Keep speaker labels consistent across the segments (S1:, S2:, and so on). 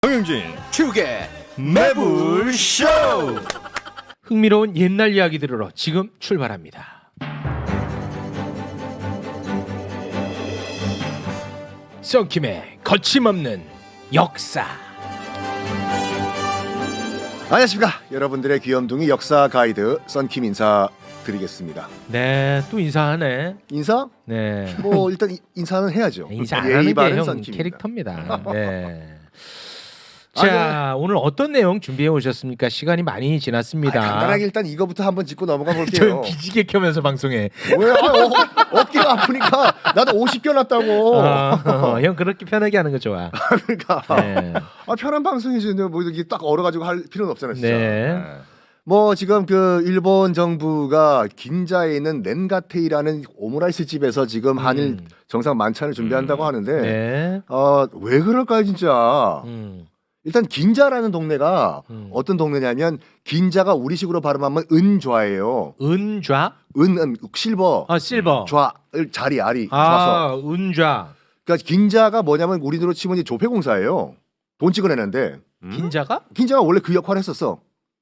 S1: 정영진
S2: 축의
S1: 매불쇼.
S3: 흥미로운 옛날 이야기 들으러 지금 출발합니다. 썬킴의 거침없는 역사.
S2: 안녕하십니까 여러분들의 귀염둥이 역사 가이드 썬킴 인사드리겠습니다.
S3: 네, 또 인사하네.
S2: 인사?
S3: 네,
S2: 뭐 일단 인사는 해야죠.
S3: 인사 안
S2: 예의
S3: 하는 게
S2: 바른
S3: 형
S2: 썬킴입니다.
S3: 캐릭터입니다. 네. 자, 오늘 어떤 내용 준비해 오셨습니까? 시간이 많이 지났습니다.
S2: 간단하게 일단 이거부터 한번 짚고 넘어가
S3: 저
S2: 볼게요.
S3: 기지개 켜면서 방송해.
S2: 왜? 어깨가 아프니까 나도 50개 났다고.
S3: 형 그렇게 편하게 하는 거 좋아.
S2: 그러니까
S3: 네.
S2: 편한 방송이지 뭐 이렇게 딱 얼어가지고 할 필요는 없잖아요. 진짜.
S3: 네.
S2: 뭐 지금 그 일본 정부가 긴자에 있는 렌가테이라는 오므라이스 집에서 지금 한일 정상 만찬을 준비한다고 하는데
S3: 네.
S2: 왜 그럴까요 진짜. 일단 긴자라는 동네가 어떤 동네냐면 긴자가 우리식으로 발음하면 은좌예요.
S3: 은좌?
S2: 은 실버.
S3: 실버.
S2: 좌을 자리 아리 좌서.
S3: 은좌.
S2: 그러니까 긴자가 뭐냐면 우리로 치면 이제 조폐공사예요. 돈 찍어내는데
S3: 긴자가?
S2: 긴자가 원래 그 역할을 했었어.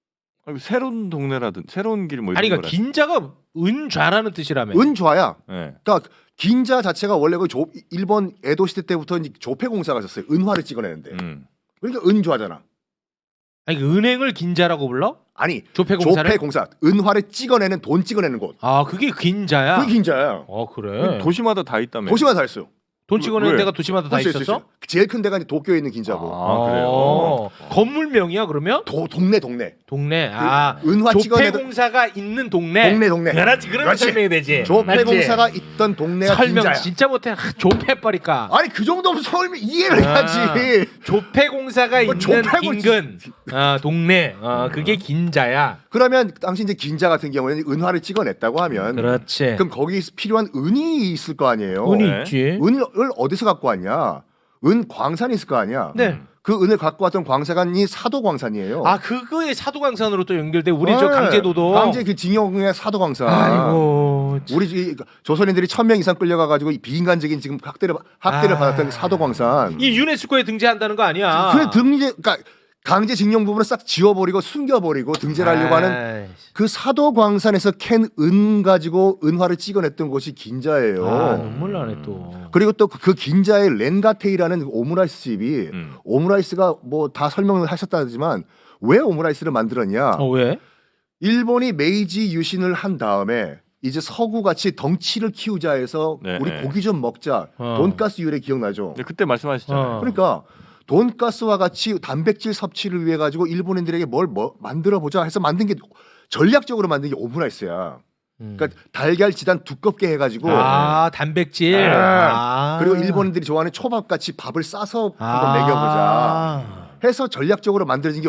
S1: 새로운 동네라든 새로운 길 뭐 이런
S3: 아니 그러니까
S1: 거라.
S3: 긴자가 은좌라는 뜻이라며.
S2: 은좌야.
S1: 네.
S2: 그러니까 긴자 자체가 원래 그 일본 에도 시대 때부터 이제 조폐공사가 있었어요. 은화를 찍어내는데. 그러니까 은좌잖아.
S3: 아니 그 은행을 긴자라고 불러?
S2: 아니
S3: 조폐공사를?
S2: 조폐공사 은화를 찍어내는 돈 찍어내는 곳.
S3: 아 그게 긴자야?
S2: 그게 긴자야.
S3: 그래.
S1: 도시마다 다 있다며.
S2: 도시마다 다 있어요.
S3: 돈 찍어내는
S1: 왜?
S3: 데가 도시마다 다
S2: 있어요,
S3: 있었어?
S2: 있어요. 제일 큰 데가 이제 도쿄에 있는 긴자고.
S1: 그래요.
S3: 건물명이야 그러면?
S2: 동네.
S3: 동네.
S2: 은화 찍어내던
S3: 조폐공사가 있는 동네.
S2: 동네.
S3: 그렇지. 그러면
S2: 그렇지.
S3: 설명이 되지.
S2: 조폐공사가
S3: 맞지?
S2: 있던 동네가
S3: 설명
S2: 긴자야.
S3: 진짜 못해. 조폐버리까.
S2: 아니 그 정도면 설명 이해를 해야지.
S3: 조폐공사가
S2: 뭐
S3: 있는
S2: 조폐고
S3: 인근 동네. 그게 긴자야.
S2: 그러면 당시 이제 긴자 같은 경우에는 은화를 찍어냈다고 하면
S3: 그렇지.
S2: 그럼 거기 필요한 은이 있을 거 아니에요.
S3: 은이
S1: 네.
S3: 있지.
S2: 은을 어디서 갖고 왔냐? 은 광산이 있을 거 아니야.
S3: 네.
S2: 그 은을 갖고 왔던 광산이 사도광산이에요.
S3: 그거에 사도광산으로 또 연결돼. 우리 저 강제도도.
S2: 강제 그 징용의 사도광산.
S3: 아이고.
S2: 우리 조선인들이 1,000명 이상 끌려가가지고 비인간적인 지금 학대를 받았던 그 사도광산.
S3: 이 유네스코에 등재한다는 거 아니야?
S2: 그래 그러니까 강제징용 부분을 싹 지워버리고 숨겨버리고 등재를 하려고 하는 그 사도광산에서 캔 은 가지고 은화를 찍어냈던 곳이 긴자예요.
S3: 눈물 나네 또.
S2: 그리고 또 그 긴자의 렌가테이라는 오므라이스 집이 오므라이스가 뭐 다 설명을 하셨다지만 왜 오므라이스를 만들었냐?
S3: 왜?
S2: 일본이 메이지 유신을 한 다음에 이제 서구같이 덩치를 키우자 해서
S1: 네,
S2: 우리
S1: 네.
S2: 고기 좀 먹자. 돈가스 유래 기억나죠?
S1: 네, 그때 말씀하셨잖아요.
S2: 그러니까 돈가스와 같이 단백질 섭취를 위해 가지고 일본인들에게 뭘 만들어 보자 해서 만든 게 전략적으로 만든 게 오므라이스야. 그러니까 달걀 지단 두껍게 해가지고
S3: 단백질.
S2: 그리고 일본인들이 좋아하는 초밥 같이 밥을 싸서 한번 먹여보자 해서 전략적으로 만들어진 게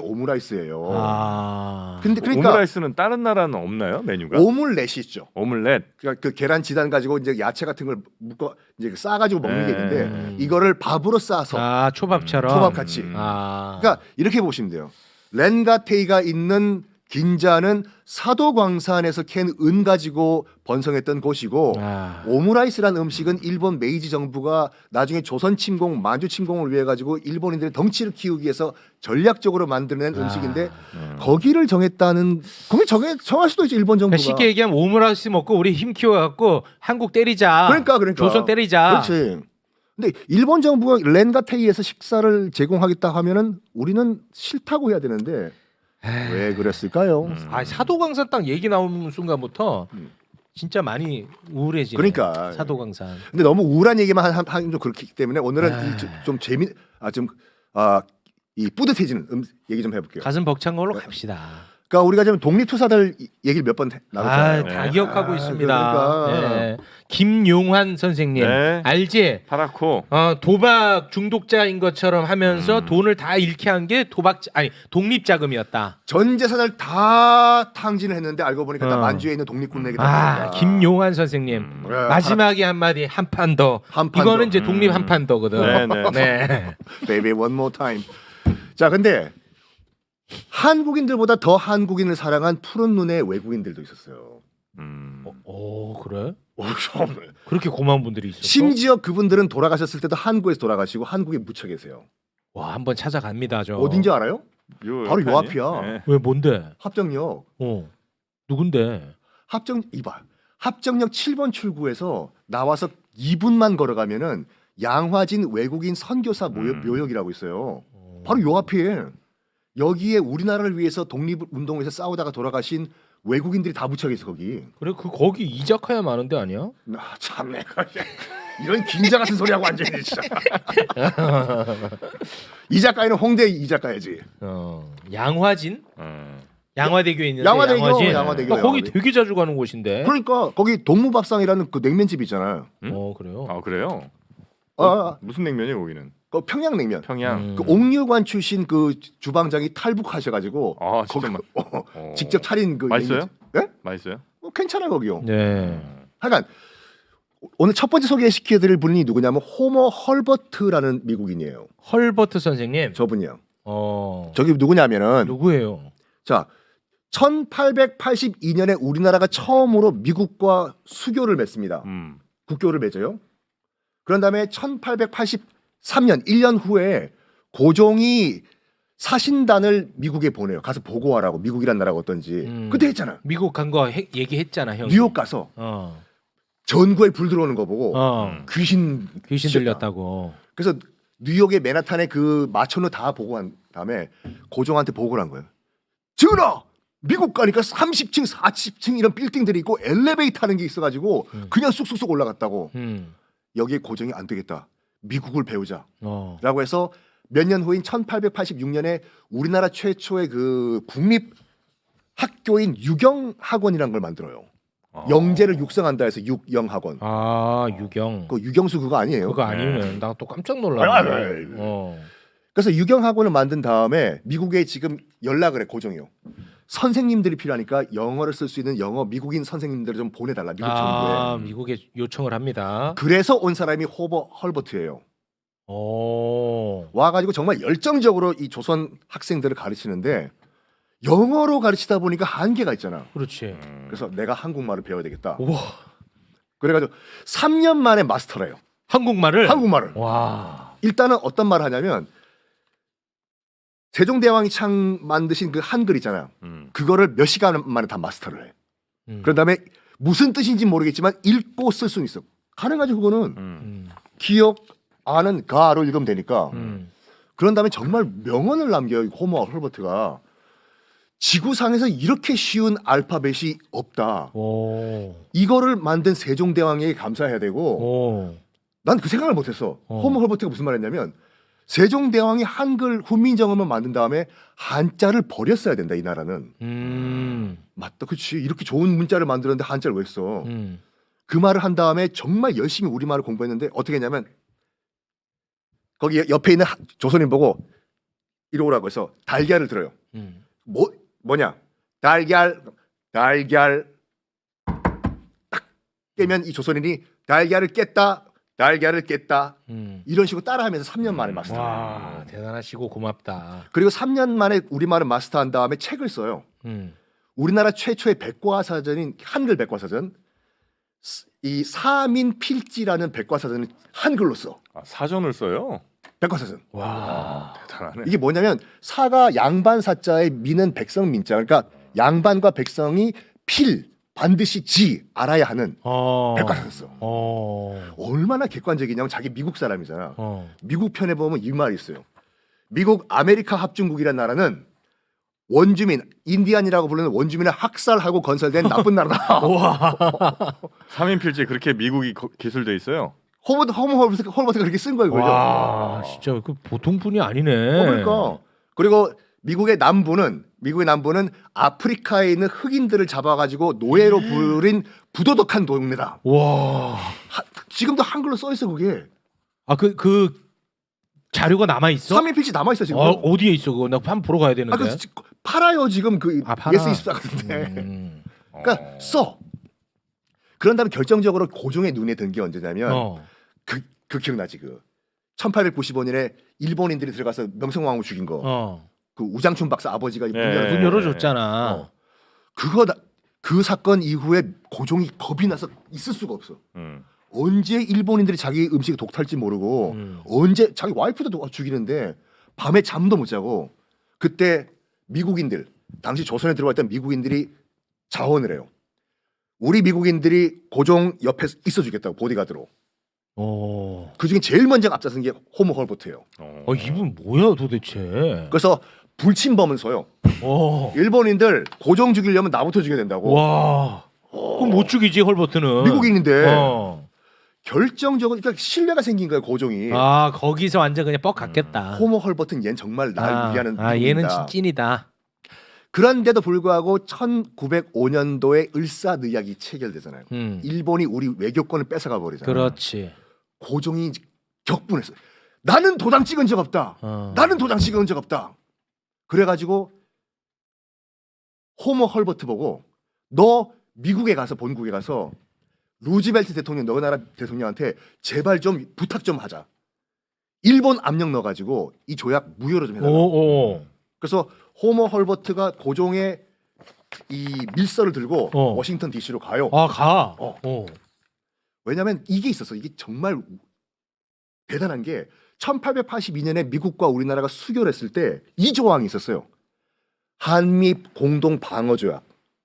S2: 오므라이스예요. 근데 그러니까
S1: 오므라이스는 다른 나라는 없나요 메뉴가?
S2: 오믈렛이 있죠.
S1: 오믈렛.
S2: 그러니까 그 계란 지단 가지고 이제 야채 같은 걸 묶어 이제 싸가지고 먹는 게 있는데 이거를 밥으로 싸서
S3: 초밥처럼.
S2: 초밥 같이. 그러니까 이렇게 보시면 돼요. 렌가테이가 있는 긴자는 사도광산에서 캔 은 가지고 번성했던 곳이고 오므라이스라는 음식은 일본 메이지 정부가 나중에 조선 침공, 만주 침공을 위해 가지고 일본인들의 덩치를 키우기 위해서 전략적으로 만들어낸 음식인데 거기를 정했다는 그러면 정할 수도 있죠 일본 정부가.
S3: 그러니까 쉽게 얘기하면 오므라이스 먹고 우리 힘 키워갖고 한국 때리자.
S2: 그러니까
S3: 조선 때리자.
S2: 그렇지. 근데 일본 정부가 렌가테이에서 식사를 제공하겠다 하면은 우리는 싫다고 해야 되는데 왜 그랬을까요?
S3: 사도광산 딱 얘기 나오는 순간부터 진짜 많이 우울해지네.
S2: 그러니까
S3: 사도광산.
S2: 근데 너무 우울한 얘기만 하면 좀 그렇기 때문에 오늘은 이 뿌듯해지는 얘기 좀 해볼게요.
S3: 가슴 벅찬 걸로 갑시다.
S2: 그러니까 우리가 지금 독립투사들 얘기를 몇 번 나눴잖아요.
S3: 다 기억하고 있습니다.
S2: 그러니까.
S3: 네. 김용환 선생님
S1: 네.
S3: 알지?
S1: 파라코.
S3: 도박 중독자인 것처럼 하면서 돈을 다 잃게 한 게 독립자금이었다.
S2: 전 재산을 다 탕진을 했는데 알고 보니까 다 만주에 있는 독립군에게
S3: 김용환 선생님 마지막에 한마디 한 판 더. 이거는 이제 독립 한 판 더거든. 네.
S2: Baby one more time. 자, 근데 한국인들보다 더 한국인을 사랑한 푸른 눈의 외국인들도 있었어요.
S3: 그래?
S2: 정말.
S3: 그렇게 고마운 분들이 있었어?
S2: 심지어 그분들은 돌아가셨을 때도 한국에서 돌아가시고 한국에 묻혀 계세요.
S3: 와, 한번 찾아갑니다. 저.
S2: 어딘지 알아요? 바로 요
S1: 옆에
S2: 앞이야.
S1: 아니에요? 네.
S3: 왜 뭔데?
S2: 합정역.
S3: 누군데?
S2: 합정역 7번 출구에서 나와서 2분만 걸어가면은 양화진 외국인 선교사 묘역이라고 있어요. 바로 요 앞에 여기에 우리나라를 위해서 독립운동에서 싸우다가 돌아가신 외국인들이 다 묻혀 있어 거기.
S3: 그래 그 거기 이자카야 많은 데 아니야?
S2: 참 내가 이런 긴자 같은 소리 하고 앉아 있네 진짜. 이 작가는 홍대 이 작가야지.
S3: 양화진?
S1: 음.
S3: 양화대교에 있는데
S2: 양화대교,
S3: 양화진?
S2: 양화대교,
S3: 거기
S2: 양화대교.
S3: 되게 자주 가는 곳인데.
S2: 그러니까 거기 동무밥상이라는 그 냉면집 있잖아요.
S3: 그래요?
S1: 아 그래요?
S2: 아,
S1: 무슨 냉면이에요 거기는?
S2: 그 평양냉면.
S1: 평양.
S2: 그 옥류관 출신 그 주방장이 탈북하셔가지고
S1: 아 진짜
S2: 직접 차린 그
S1: 맛있어요?
S2: 냉면집. 예?
S1: 맛있어요?
S2: 괜찮아 거기요.
S3: 네.
S2: 하여간 오늘 첫 번째 소개시켜드릴 분이 누구냐면 호머 헐버트라는 미국인이에요.
S3: 헐버트 선생님.
S2: 저분이요.
S3: 어.
S2: 저기 누구냐면은
S3: 누구예요?
S2: 자 1882년에 우리나라가 처음으로 미국과 수교를 맺습니다. 국교를 맺어요. 그런 다음에 1883년 1년 후에 고종이 사신단을 미국에 보내요. 가서 보고하라고. 미국이란 나라가 어떤지. 그때 했잖아.
S3: 미국 간 거 얘기했잖아, 형.
S2: 뉴욕 가서 전구에 불 들어오는 거 보고 귀신
S3: 들렸다고.
S2: 그래서 뉴욕의 맨하탄에 그 마천루 다 보고한 다음에 고종한테 보고를 한 거예요. 전하! 미국 가니까 30층, 40층 이런 빌딩들이 있고 엘리베이터 하는 게 있어가지고 그냥 쑥쑥쑥 올라갔다고. 여기에 고종이 안 되겠다. 미국을 배우자. 라고 해서 몇 년 후인 1886년에 우리나라 최초의 그 국립 학교인 유경학원이라는 걸 만들어요. 영재를 육성한다 해서 육영학원.
S3: 아, 유경.
S2: 그 유경수 그거 아니에요?
S3: 그거 아니면 나 또 깜짝 놀랐네.
S2: 그래서 유경학원을 만든 다음에 미국에 지금 연락을 해 고종이요. 선생님들이 필요하니까 영어를 쓸 수 있는 영어 미국인 선생님들을 좀 보내달라 미국 정부에.
S3: 미국에 요청을 합니다.
S2: 그래서 온 사람이 호버 헐버트예요. 와가지고 정말 열정적으로 이 조선 학생들을 가르치는데 영어로 가르치다 보니까 한계가 있잖아.
S3: 그렇지.
S2: 그래서 내가 한국말을 배워야 되겠다.
S3: 우와.
S2: 그래가지고 3년 만에 마스터래요.
S3: 한국말을.
S2: 와. 일단은 어떤 말을 하냐면 세종대왕이 창 만드신 그 한글 있잖아요. 그거를 몇 시간 만에 다 마스터를 해. 그런 다음에 무슨 뜻인지 모르겠지만 읽고 쓸 수는 있어. 가능하죠 그거는. 기억 아는 가로 읽으면 되니까. 그런 다음에 정말 명언을 남겨요. 호머 헐버트가. 지구상에서 이렇게 쉬운 알파벳이 없다. 이거를 만든 세종대왕에게 감사해야 되고 난 그 생각을 못했어. 호머 헐버트가 무슨 말했냐면 세종대왕이 한글 훈민정음을 만든 다음에 한자를 버렸어야 된다 이 나라는. 맞다 그치 이렇게 좋은 문자를 만들었는데 한자를 왜 써. 그 말을 한 다음에 정말 열심히 우리말을 공부했는데 어떻게 했냐면 거기 옆에 있는 조선인 보고 이리 오라고 해서 달걀을 들어요. 뭐냐 달걀 딱 깨면 이 조선인이 달걀을 깼다 이런 식으로 따라하면서 3년 만에 마스터.
S3: 와 대단하시고 고맙다.
S2: 그리고 3년 만에 우리말을 마스터한 다음에 책을 써요. 우리나라 최초의 백과사전인 한글 백과사전 이 사민필지라는 백과사전을 한글로 써.
S1: 사전을 써요?
S2: 백과사전.
S3: 와
S1: 대단하네.
S2: 이게 뭐냐면 사가 양반 사자에 미는 백성 민자. 그러니까 양반과 백성이 반드시 지 알아야 하는 백과사전 써. 얼마나 객관적이냐면 자기 미국 사람이잖아. 미국 편에 보면 이 말이 있어요. 미국 아메리카 합중국이라는 나라는 원주민 인디안이라고 부르는 원주민을 학살하고 건설된 나쁜 나라다.
S1: 삼인필지 그렇게 미국이 기술돼 있어요?
S2: 헐버트가 그렇게 쓴 거예요.
S3: 와 진짜 그 보통 분이 아니네.
S2: 그러니까 그리고 미국의 남부는 아프리카에 있는 흑인들을 잡아가지고 노예로 부린 부도덕한 동네다.
S3: 와
S2: 지금도 한글로 써 있어 그게.
S3: 그 자료가 남아 있어?
S2: 3인필지 남아 있어 지금.
S3: 어디에 있어 그거? 나 한번 보러 가야 되는데.
S2: 팔아요 지금 그
S3: 팔아?
S2: 예스24 같은데. 그러니까 써. 그런 다음에 결정적으로 고종의 눈에 든 게 언제냐면 그 기억나지 그 1895년에 일본인들이 들어가서 명성황후 죽인 거. 그 우장춘 박사 아버지가 문
S3: 열어줬잖아.
S2: 그 사건 이후에 고종이 겁이 나서 있을 수가 없어. 언제 일본인들이 자기 음식 독탈지 모르고 언제 자기 와이프도 죽이는데 밤에 잠도 못 자고 그때 미국인들 당시 조선에 들어와 있던 미국인들이 자원을 해요. 우리 미국인들이 고종 옆에 있어주겠다고 보디가드로. 그중에 제일 먼저 앞장선 게 호모 헐버트예요.
S3: 이분 뭐야 도대체?
S2: 그래서 불침범은 서요. 일본인들 고종 죽이려면 나부터 죽여야 된다고.
S3: 와. 그럼 못 죽이지 헐버트는.
S2: 미국인인데 결정적으로 그러니까 신뢰가 생긴 거예요 고종이.
S3: 거기서 완전 그냥 뻑 갔겠다.
S2: 호모 헐버트는 얘는 정말 날 위하는
S3: 얘는
S2: 미국인이다.
S3: 찐이다.
S2: 그런데도 불구하고 1905년도에 을사늑약이 체결되잖아요. 일본이 우리 외교권을 뺏어가 버리잖아요.
S3: 그렇지.
S2: 고종이 격분했어요. 나는 도장 찍은 적 없다. 나는 도장 찍은 적 없다. 그래가지고 호모 헐버트 보고 너 미국에 가서 본국에 가서 루즈벨트 대통령 너희 나라 대통령한테 제발 좀 부탁 좀 하자. 일본 압력 넣어가지고 이 조약 무효로 좀 해달라. 그래서 호모 헐버트가 고종의 이 밀서를 들고 워싱턴 D.C.로 가요.
S3: 가.
S2: 왜냐하면 이게 있었어. 이게 정말 대단한 게 1882년에 미국과 우리나라가 수교했을 때 이 조항이 있었어요. 한미 공동 방어 조약.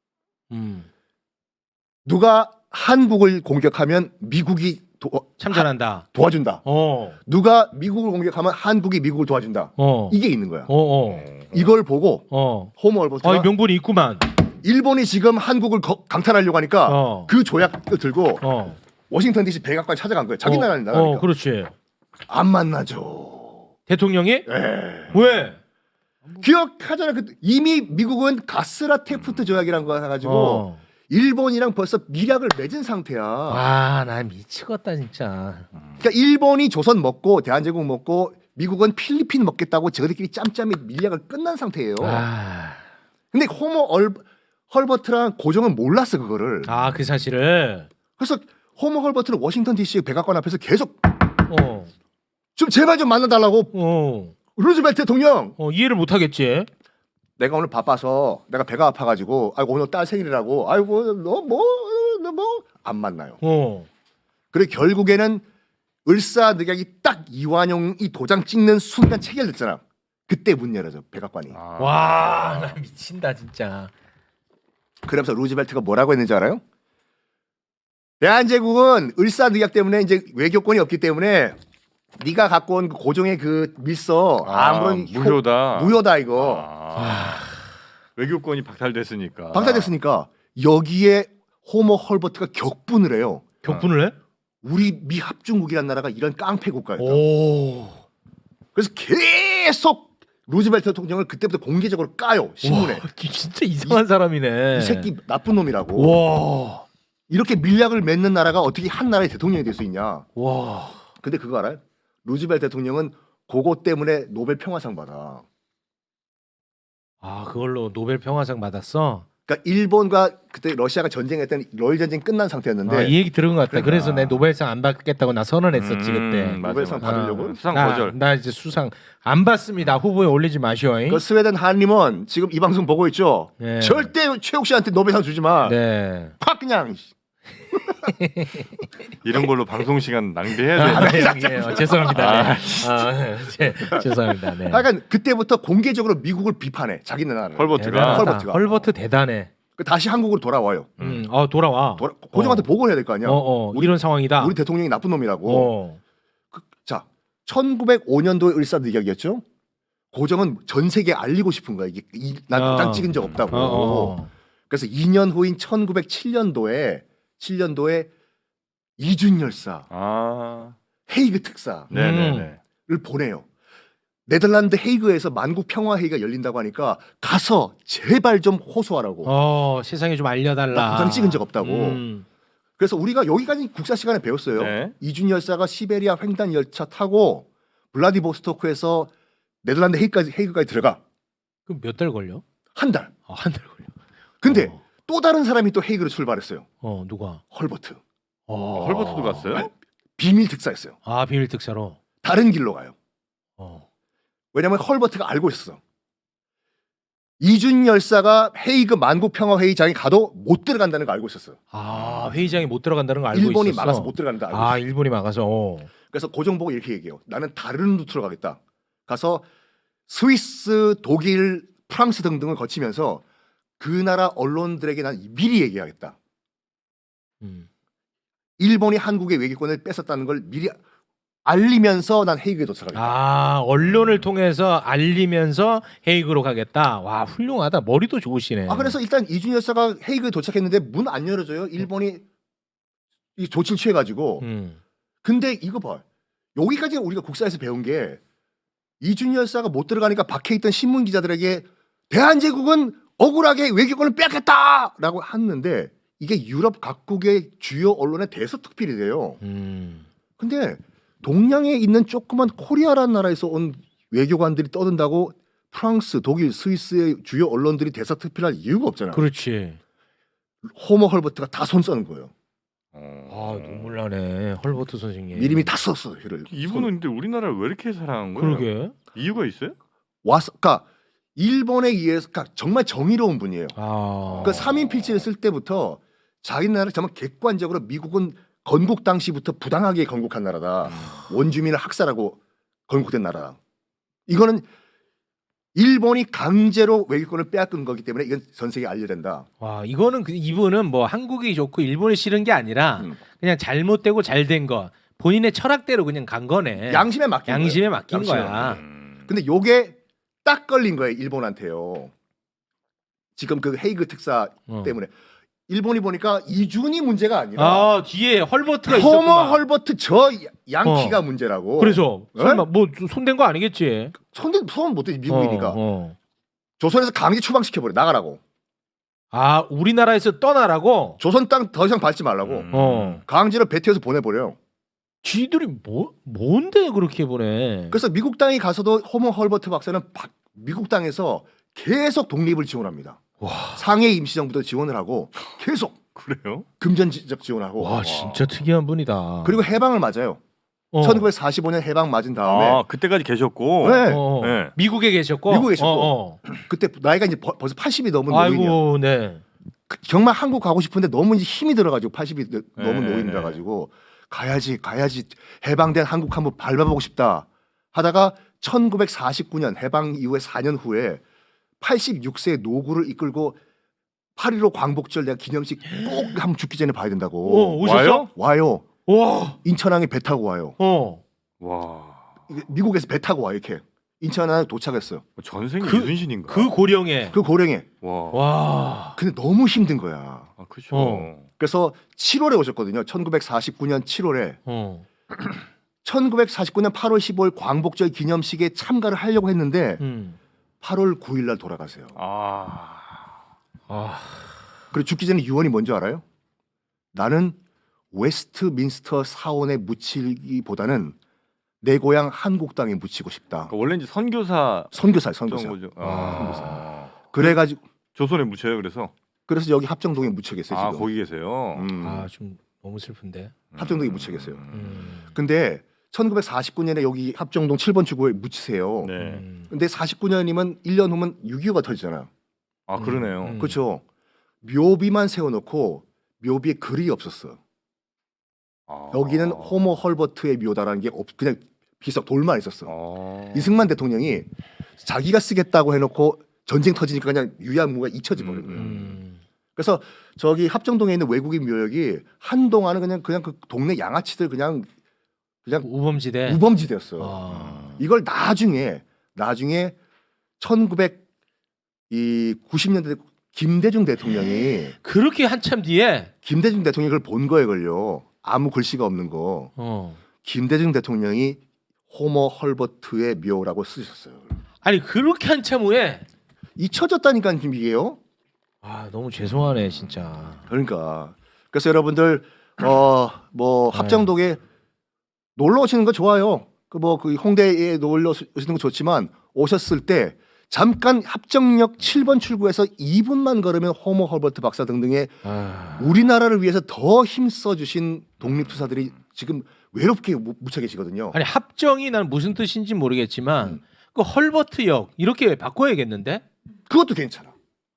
S2: 누가 한국을 공격하면 미국이
S3: 참전한다.
S2: 도와준다. 누가 미국을 공격하면 한국이 미국을 도와준다. 이게 있는 거야. 이걸 보고 호모 헐버트가
S3: 명분이 있구만.
S2: 일본이 지금 한국을 강탈하려고 하니까 그 조약을 들고 워싱턴 D.C. 백악관 찾아간 거예요. 자기 나라니까.
S3: 그렇지.
S2: 안 만나죠.
S3: 대통령이? 왜?
S2: 기억하잖아. 이미 미국은 가스라 테프트 조약이라는 거 해가지고 일본이랑 벌써 밀약을 맺은 상태야.
S3: 나 미치겠다 진짜.
S2: 그러니까 일본이 조선 먹고 대한제국 먹고 미국은 필리핀 먹겠다고 저들끼리 짬짬이 밀약을 끝난 상태예요. 근데 호모 헐버트랑 고종은 몰랐어 그거를.
S3: 그 사실을.
S2: 그래서 호모 헐버트는 워싱턴 D.C. 백악관 앞에서 계속 좀 제발 좀 만나달라고. 루즈벨트 대통령.
S3: 이해를 못 하겠지.
S2: 내가 오늘 바빠서 내가 배가 아파가지고 아이고 오늘 딸 생일이라고 아이고 너 뭐 안 만나요. 그래 결국에는 을사늑약이 딱 이완용이 도장 찍는 순간 체결됐잖아. 그때 문 열어져 백악관이.
S3: 나 미친다 진짜.
S2: 그러면서 루즈벨트가 뭐라고 했는지 알아요? 대한제국은 을사늑약 때문에 이제 외교권이 없기 때문에 네가 갖고 온 그 고종의 그 밀서 아무런 무효다 이거.
S1: 외교권이 박탈됐으니까.
S2: 박탈됐으니까 여기에 호모 헐버트가 격분을 해요.
S3: 격분을 해?
S2: 우리 미 합중국이라는 나라가 이런 깡패 국가였다. 그래서 계속 루즈벨트 대통령을 그때부터 공개적으로 까요 신문에.
S3: 진짜 이상한 사람이네.
S2: 이 새끼 나쁜 놈이라고. 이렇게 밀약을 맺는 나라가 어떻게 한 나라의 대통령이 될 수 있냐. 근데 그거 알아요? 루즈벨트 대통령은 그거 때문에 노벨 평화상 받아.
S3: 그걸로 노벨 평화상 받았어?
S2: 그러니까 일본과 그때 러시아가 전쟁했던 러일 전쟁 끝난 상태였는데
S3: 이 얘기 들은 것 같다.
S2: 그러니까.
S3: 그래서 내 노벨상 안 받겠다고 나 선언했었지 그때.
S2: 노벨상 받으려고?
S1: 수상 거절.
S3: 나 이제 수상 안 받습니다. 후보에 올리지 마시오.
S2: 그 스웨덴 한림은 지금 이 방송 보고 있죠.
S3: 네.
S2: 절대 최욱 씨한테 노벨상 주지 마.
S3: 네.
S2: 확 그냥.
S1: 이런 걸로 방송 시간 낭비해야 돼.
S3: 죄송합니다. 죄송합니다. 네.
S2: 하여간 그때부터 공개적으로 미국을 비판해. 자기 나라를.
S3: 헐버트 대단해.
S2: 다시 한국으로 돌아와요.
S3: 돌아와.
S2: 고종한테 보고를 해야 될 거 아니야.
S3: 이런 상황이다.
S2: 우리 대통령이 나쁜 놈이라고. 자, 1905년도의 을사늑약이었죠. 고종은 전 세계에 알리고 싶은 거야. 난 도장 찍은 적 없다고. 그래서 2년 후인 1907년도에 이준열사 헤이그 특사를 보내요. 네덜란드 헤이그에서 만국 평화 회의가 열린다고 하니까 가서 제발 좀 호소하라고.
S3: 세상에 좀 알려달라.
S2: 나 도장 찍은 적 없다고. 그래서 우리가 여기까지 국사 시간에 배웠어요.
S1: 네.
S2: 이준열사가 시베리아 횡단 열차 타고 블라디보스토크에서 네덜란드 헤이그까지 들어가.
S3: 그럼 몇 달 걸려?
S2: 한 달.
S3: 한 달 걸려.
S2: 근데 또 다른 사람이 또 헤이그로 출발했어요.
S3: 누가?
S2: 헐버트.
S1: 헐버트도 갔어요?
S2: 비밀 특사였어요.
S3: 비밀 특사로.
S2: 다른 길로 가요. 왜냐면 헐버트가 알고 있었어. 이준 열사가 헤이그 만국 평화 회의장에 가도 못 들어간다는 거 알고 있었어.
S3: 회의장에 못 들어간다는 거 알고
S2: 일본이
S3: 있었어.
S2: 막아서 못 들어간다 알고 있었어.
S3: 일본이 막아서.
S2: 그래서 고종 보고 이렇게 얘기해요. 나는 다른 루트로 가겠다. 가서 스위스, 독일, 프랑스 등등을 거치면서 그 나라 언론들에게 난 미리 얘기하겠다. 일본이 한국의 외교권을 뺏었다는 걸 미리 알리면서 난 헤이그에 도착하겠다.
S3: 아, 언론을 통해서 알리면서 헤이그로 가겠다. 와, 훌륭하다. 머리도 좋으시네.
S2: 그래서 일단 이준희 열사가 헤이그에 도착했는데 문 안 열어줘요. 일본이 이 조치를 취해가지고. 근데 이거 봐. 여기까지 우리가 국사에서 배운 게 이준희 열사가 못 들어가니까 밖에 있던 신문 기자들에게 대한제국은 억울하게 외교권을 뺏겠다라고 했는데 이게 유럽 각국의 주요 언론의 대서특필이 돼요. 근데 동양에 있는 조그만 코리아라는 나라에서 온 외교관들이 떠든다고 프랑스, 독일, 스위스의 주요 언론들이 대서특필할 이유가 없잖아요.
S3: 그렇지.
S2: 호머 헐버트가 다 손 써는 거예요.
S3: 아, 눈물 나네. 헐버트 선생님.
S2: 미리미 다 썼어. 를
S1: 이분은 근데 우리나라를 왜 이렇게 사랑한 거예요?
S3: 그러게.
S1: 이유가 있어요?
S2: 와서, 그러니까 일본에 의해서 그러니까 정말 정의로운 분이에요.
S3: 아.
S2: 그 3인 필지를 쓸 때부터 자기 나라를 정말 객관적으로 미국은 건국 당시부터 부당하게 건국한 나라다. 원주민을 학살하고 건국된 나라다. 이거는 일본이 강제로 외교권을 빼앗긴 거기 때문에 이건 전 세계에 알려야 된다.
S3: 와, 이거는 이분은 뭐 한국이 좋고 일본이 싫은 게 아니라 그냥 잘못되고 잘된 거. 본인의 철학대로 그냥 간 거네.
S2: 양심에 맡긴
S3: 양심에
S2: 거예요.
S3: 맡긴
S2: 양심에
S3: 거야.
S2: 근데 요게 딱 걸린 거예요. 일본한테요. 지금 그 헤이그 특사 때문에. 일본이 보니까 이준이 문제가 아니라
S3: 아, 뒤에 헐버트가
S2: 호머
S3: 있었구나.
S2: 헐버트 저 양키가 문제라고.
S3: 그래서
S2: 네?
S3: 설마 뭐 손댄 거 아니겠지?
S2: 손 못해 미국이니까.
S3: 어.
S2: 조선에서 강제 추방시켜버려. 나가라고.
S3: 아, 우리나라에서 떠나라고?
S2: 조선 땅 더 이상 밟지 말라고. 강제로 배 태워서 보내버려요.
S3: 쥐들이 뭔데 그렇게 보내?
S2: 그래서 미국 땅에 가서도 호머 헐버트 박사는 미국 땅에서 계속 독립을 지원합니다.
S3: 와.
S2: 상해 임시정부도 지원을 하고 계속
S1: 그래요?
S2: 금전적 지원하고.
S3: 와, 진짜 특이한 분이다.
S2: 그리고 해방을 맞아요. 1945년 해방 맞은 다음에
S1: 아 그때까지 계셨고.
S2: 네.
S1: 네.
S3: 미국에 계셨고.
S2: 미국에 계셨고. 그때 나이가 이제 벌써 80이 넘은 노인이야.
S3: 아이고, 네.
S2: 정말 한국 가고 싶은데 너무 이제 힘이 들어가지고 80이 넘은
S1: 네.
S2: 노인이라 가지고 가야지 해방된 한국 한번 밟아보고 싶다 하다가 1949년 해방 이후에 4년 후에 86세 노구를 이끌고 8.15 광복절 내가 기념식 꼭 한번 죽기 전에 봐야 된다고.
S3: 오셨어?
S2: 와요.
S3: 와.
S2: 인천항에 배 타고 와요.
S1: 와.
S2: 이게 미국에서 배 타고 와 이렇게 인천항에 도착했어요.
S1: 전생이
S3: 그-
S1: 이순신인가?
S3: 그 고령에.
S2: 그 고령에.
S1: 와.
S3: 와.
S2: 근데 너무 힘든 거야.
S1: 아 그렇죠.
S2: 그래서 7월에 오셨거든요. 1949년 7월에. 1949년 8월 15일 광복절 기념식에 참가를 하려고 했는데 8월 9일 날 돌아가세요.
S1: 아.
S2: 그리고 죽기 전에 유언이 뭔지 알아요? 나는 웨스트민스터 사원에 묻히기보다는 내 고향 한국 땅에 묻히고 싶다.
S1: 그러니까 원래 이제 선교사
S2: 선교사.
S1: 거죠. 아.
S2: 그래가지고
S1: 조선에 묻혀요. 그래서
S2: 여기 합정동에 묻혀 계세요.
S1: 아
S2: 지금.
S1: 거기 계세요.
S3: 아, 좀 너무 슬픈데.
S2: 합정동에 묻혀 계세요.
S3: 음.
S2: 근데 1949년에 여기 합정동 7번 출구에 묻히세요.
S1: 네.
S2: 근데 49년이면 1년 후면 6.25가 터지잖아요.
S1: 아 그러네요.
S2: 그렇죠. 묘비만 세워놓고 묘비에 글이 없었어.
S1: 아.
S2: 여기는 호머 헐버트의 묘다라는 게 그냥 비석 돌만 있었어.
S1: 아.
S2: 이승만 대통령이 자기가 쓰겠다고 해놓고 전쟁 터지니까 그냥 유야무가 잊혀져 버린 거예요. 그래서 저기 합정동에 있는 외국인 묘역이 한동안은 그냥 그 동네 양아치들 그냥
S3: 우범지대.
S2: 우범지대였어.
S3: 아.
S2: 이걸 나중에 1990년대 김대중 대통령이
S3: 그렇게 한참 뒤에.
S2: 김대중 대통령이 그걸 본 거에 걸려. 아무 글씨가 없는 거. 김대중 대통령이 호머 헐버트의 묘라고 쓰셨어요.
S3: 아니, 그렇게 한참 후에.
S2: 잊혀졌다니까 지금 이게요.
S3: 아, 너무 죄송하네 진짜.
S2: 그러니까 그래서 여러분들 뭐 합정동에 놀러 오시는 거 좋아요. 그 홍대에 놀러 오시는 거 좋지만 오셨을 때 잠깐 합정역 7번 출구에서 2분만 걸으면 호머 헐버트 박사 등등의 우리나라를 위해서 더 힘써 주신 독립투사들이 지금 외롭게 묻혀 계시거든요.
S3: 아니, 합정이 난 무슨 뜻인지 모르겠지만 그 헐버트역 이렇게 바꿔야겠는데?
S2: 그것도 괜찮아.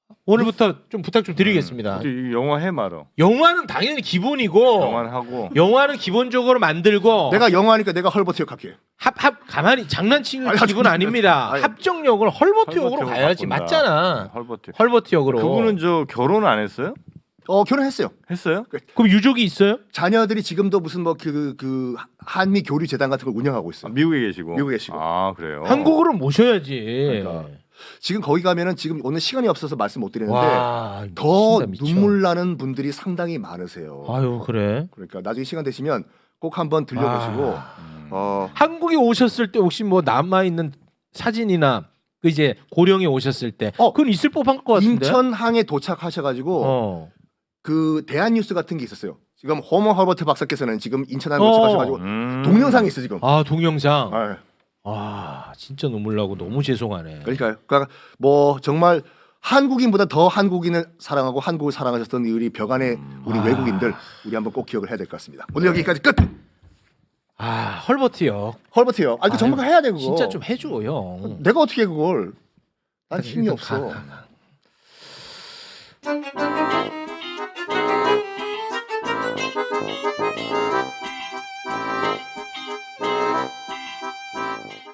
S3: 오늘부터 좀 부탁 좀 드리겠습니다.
S1: 이 영화 해 말어.
S3: 영화는 당연히 기본이고
S1: 영화는 하고.
S3: 영화는 기본적으로 만들고
S2: 내가 영화니까 내가 헐버트 역할게.
S3: 합 가만히 장난치는
S2: 아니,
S3: 기분 아닙니다.
S2: 아니,
S3: 합정역을 헐버트 역으로
S1: 헐버트
S3: 가야지
S1: 바꾼다.
S3: 맞잖아.
S1: 헐버트.
S3: 헐버트 역으로.
S1: 그분은 저 결혼 안 했어요?
S2: 결혼했어요.
S1: 했어요?
S3: 그럼 유족이 있어요?
S2: 자녀들이 지금도 무슨 뭐 그 한미 교류 재단 같은 걸 운영하고
S1: 아,
S2: 있어요.
S1: 미국에 계시고.
S2: 미국에 계시고.
S1: 아 그래요.
S3: 한국으로 모셔야지.
S2: 그러니까. 지금 거기 가면은 지금 오늘 시간이 없어서 말씀 못 드리는데
S3: 와,
S2: 더
S3: 미친다, 미쳐.
S2: 눈물 나는 분들이 상당히 많으세요.
S3: 아유 그래.
S2: 그러니까 나중에 시간 되시면 꼭 한번 들려보시고
S3: 한국에 오셨을 때 혹시 뭐 남아 있는 사진이나 그 이제 고령에 오셨을 때 그건 있을 법한 것 같은데.
S2: 인천항에 도착하셔가지고 그 대한뉴스 같은 게 있었어요. 지금 호머 허버트 박사께서는 지금 인천항에 도착하셔가지고 동영상이 있어 지금.
S3: 아 동영상.
S2: 네.
S3: 아 진짜 눈물 나고 너무 죄송하네.
S2: 그러니까요. 그러니까 뭐 정말 한국인보다 더 한국인을 사랑하고 한국을 사랑하셨던 우리 벽안의 우리 외국인들 우리 한번 꼭 기억을 해야 될 것 같습니다. 오늘 여기까지 끝.
S3: 아 헐버트요.
S2: 헐버트요. 이거 정말 해야 돼 그거.
S3: 진짜 좀 해줘 형.
S2: 내가 어떻게 해 그걸? 난 힘이
S3: 일단
S2: 없어.
S3: 가.